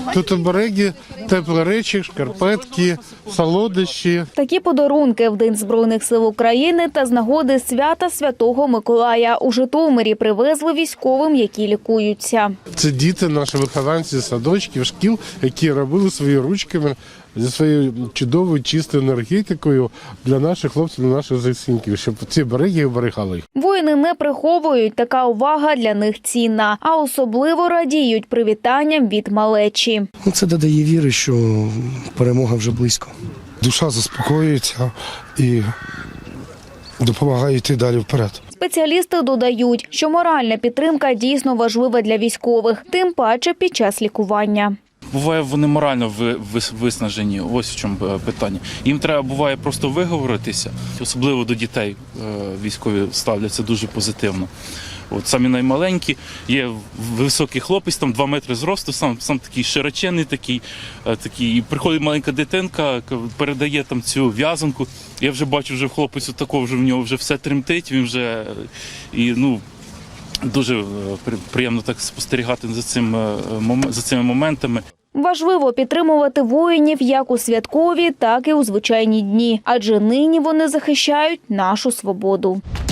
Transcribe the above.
Тут обереги, теплі речі, шкарпетки, солодощі. Такі подарунки в День Збройних сил України та з нагоди свята Святого Миколая у Житомирі привезли військовим, які лікуються. Це діти, наші вихованці садочків, шкіл, які робили свої ручками зі своєю чудовою чистою енергетикою для наших хлопців, для наших захисників, щоб ці береги оберігали їх. Воїни не приховують, така увага для них цінна, а особливо радіють привітанням від малечі. Це додає віри, що перемога вже близько. Душа заспокоюється і допомагає йти далі вперед. Спеціалісти додають, що моральна підтримка дійсно важлива для військових, тим паче під час лікування. Буває, вони морально виснажені, ось в чому питання. Їм треба, буває, просто виговоритися. Особливо до дітей військові ставляться дуже позитивно. От самі наймаленькі, є високий хлопець, там 2 метри зросту, сам такий широченний, такий. І приходить маленька дитинка, передає там цю в'язанку. Я вже бачу, вже в хлопцю такого, вже в нього вже все тремтить, він вже, дуже приємно так спостерігати за цими моментами. Важливо підтримувати воїнів як у святкові, так і у звичайні дні, адже нині вони захищають нашу свободу.